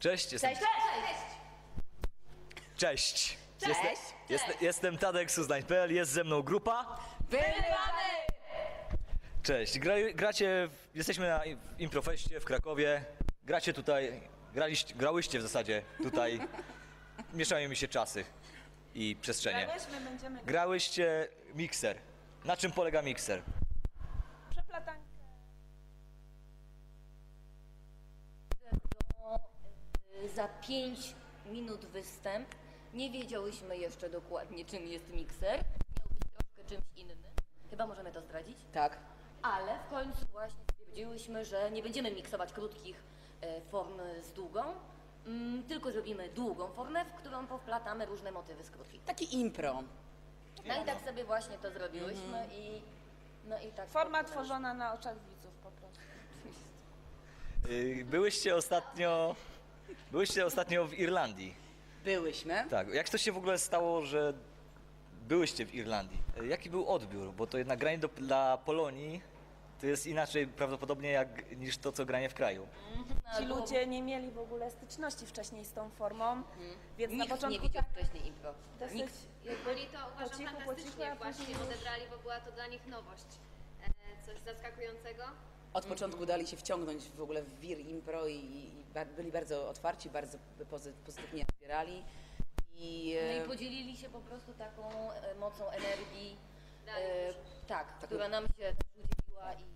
Cześć, jestem... Cześć! Jestem Tadek z Uznań.pl, jest ze mną grupa. Wyrywamy! Cześć, jesteśmy na Improfeście w Krakowie. Gracie tutaj, grałyście w zasadzie tutaj. Mieszają mi się czasy i przestrzenie. Grałyście mikser. Na czym polega mikser? Przeplatankę. Za 5 minut występ. Nie wiedziałyśmy jeszcze dokładnie, czym jest mikser. Miał być troszkę czymś innym. Chyba możemy to zdradzić? Tak. Ale w końcu właśnie stwierdziłyśmy, że nie będziemy miksować krótkich form z długą, tylko zrobimy długą formę, w którą powplatamy różne motywy z krótkich. Taki impro. No i tak sobie właśnie to zrobiłyśmy i no i tak. Forma tworzona na oczach widzów po prostu. Byłyście ostatnio w Irlandii. Byłyśmy. Tak, jak to się w ogóle stało, że byłyście w Irlandii? Jaki był odbiór? Bo to jednak granie dla Polonii to jest inaczej prawdopodobnie niż to, co granie w kraju. Ci ludzie nie mieli w ogóle styczności wcześniej z tą formą, więc Nikt na początku nie widział tak wcześniej impro. dosyć Nikt. Byli to uważam po cichu, fantastycznie a właśnie później już- odebrali, bo była to dla nich nowość. Coś zaskakującego. Od początku dali się wciągnąć w ogóle w wir impro i byli bardzo otwarci, bardzo pozytywnie odbierali. No i podzielili się po prostu taką mocą energii, Dali dużo. tak, która nam się też udzieliła i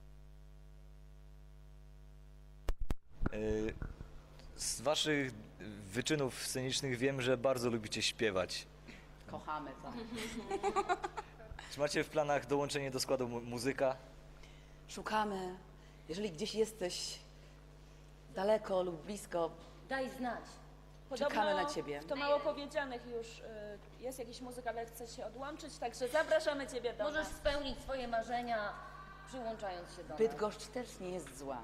Z waszych wyczynów scenicznych wiem, że bardzo lubicie śpiewać. Kochamy to. Czy macie w planach dołączenie do składu muzyka? Szukamy. Jeżeli gdzieś jesteś daleko lub blisko, daj znać. czekamy na ciebie. W to mało powiedzianych już jest jakiś muzyk, ale chce się odłączyć, także zapraszamy Ciebie do Możesz nas. spełnić swoje marzenia, przyłączając się do nas. Bydgoszcz też nie jest zła.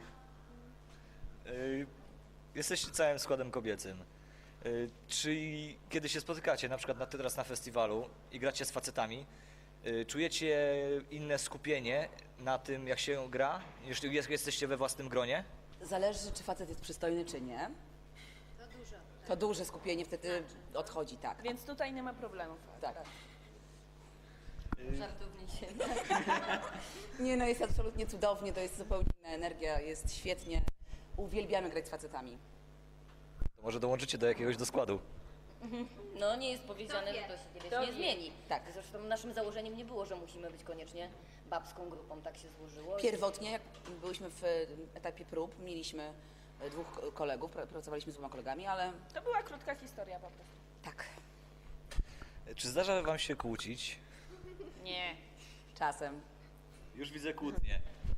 Jesteście całym składem kobiecym. Czy kiedy się spotykacie, na przykład teraz na festiwalu i gracie z facetami, czujecie inne skupienie na tym, jak się gra, niż jesteście we własnym gronie? Zależy, czy facet jest przystojny, czy nie. To dużo. To duże skupienie wtedy odchodzi, tak. Więc tutaj nie ma problemów. Tak. Żartownie się. Nie no, jest absolutnie cudownie, to jest zupełnie inna energia, jest świetnie. Uwielbiamy grać z facetami. To może dołączycie do jakiegoś do składu. No nie jest powiedziane, że to się kiedyś Kto nie wie. zmieni. Tak. Zresztą naszym założeniem nie było, że musimy być koniecznie babską grupą, tak się złożyło. Pierwotnie, jak byliśmy w etapie prób, mieliśmy dwóch kolegów, pracowaliśmy z dwoma kolegami, ale To była krótka historia po prostu. tak, Czy zdarza wam się kłócić? Nie. czasem. Już widzę kłótnie.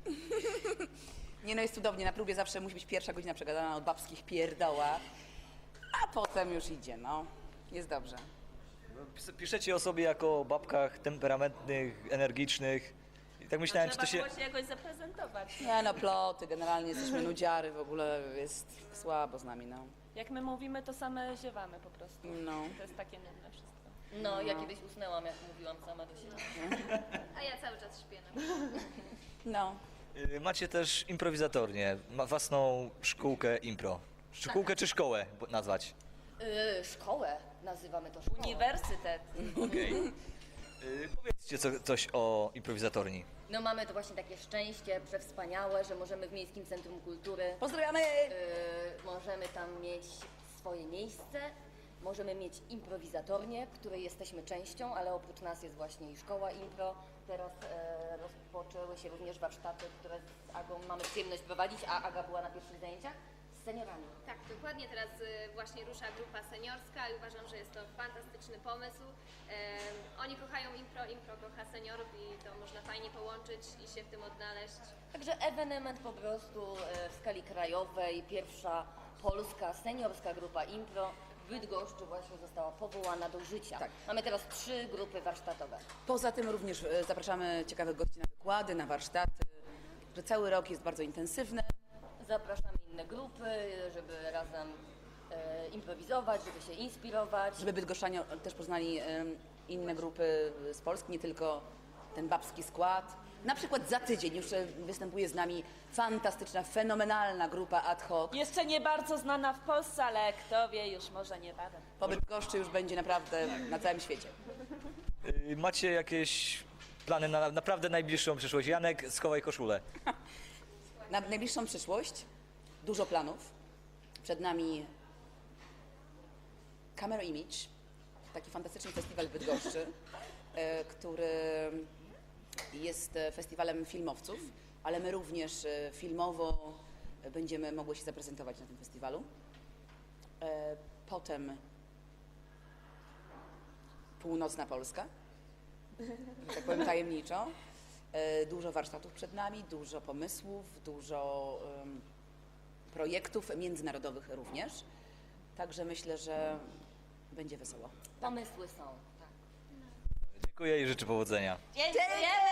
Nie no, jest cudownie, na próbie zawsze musi być pierwsza godzina przegadana od babskich pierdoła, a potem już idzie, no. Jest dobrze. Piszecie o sobie jako o babkach temperamentnych, energicznych. I tak myślałem, czy Trzeba to się... było się jakoś zaprezentować. Nie no, ploty, generalnie jesteśmy nudziary, w ogóle jest słabo z nami, no. Jak my mówimy, to same ziewamy po prostu. No. To jest takie nudne wszystko. No, ja kiedyś usnęłam, jak mówiłam sama do siebie. A ja cały czas śpię. No. Macie też improwizatornię, własną szkółkę impro. Szkółkę czy szkołę nazwać? Szkołę, nazywamy to szkołą. Uniwersytet. Okej. Powiedzcie coś o improwizatorni. No mamy to właśnie takie szczęście przewspaniałe, że możemy w Miejskim Centrum Kultury, Pozdrawiamy! możemy tam mieć swoje miejsce, możemy mieć improwizatornię, której jesteśmy częścią, ale oprócz nas jest właśnie i szkoła impro. Teraz rozpoczęły się również warsztaty, które z Agą mamy przyjemność prowadzić, a Aga była na pierwszych zajęciach z seniorami. Tak, dokładnie. Teraz właśnie rusza grupa seniorska i uważam, że jest to fantastyczny pomysł. Oni kochają impro, impro kocha seniorów i to można fajnie połączyć i się w tym odnaleźć. Także ewenement po prostu w skali krajowej, pierwsza polska seniorska grupa impro w Bydgoszczy właśnie została powołana do życia. Tak. Mamy teraz 3 grupy warsztatowe. Poza tym również zapraszamy ciekawych gości na wykłady, na warsztaty, że cały rok jest bardzo intensywny. Zapraszamy inne grupy, żeby razem improwizować, żeby się inspirować. Żeby bydgoszczanie też poznali inne grupy z Polski, nie tylko ten babski skład. Na przykład za tydzień już występuje z nami fantastyczna, fenomenalna grupa ad hoc. Jeszcze nie bardzo znana w Polsce, ale kto wie, już może niebawem. Pobyt goszczy już będzie naprawdę na całym świecie. Macie jakieś plany na naprawdę najbliższą przyszłość? Janek, schowaj koszulę. Na najbliższą przyszłość dużo planów. Przed nami Camera Image, taki fantastyczny festiwal w Bydgoszczy, który jest festiwalem filmowców, ale my również filmowo będziemy mogły się zaprezentować na tym festiwalu. Potem Północna Polska, że tak powiem tajemniczo. Dużo warsztatów przed nami, dużo pomysłów, dużo projektów międzynarodowych również. Także myślę, że będzie wesoło. Pomysły są. Tak. Dziękuję i życzę powodzenia. Dziękuję!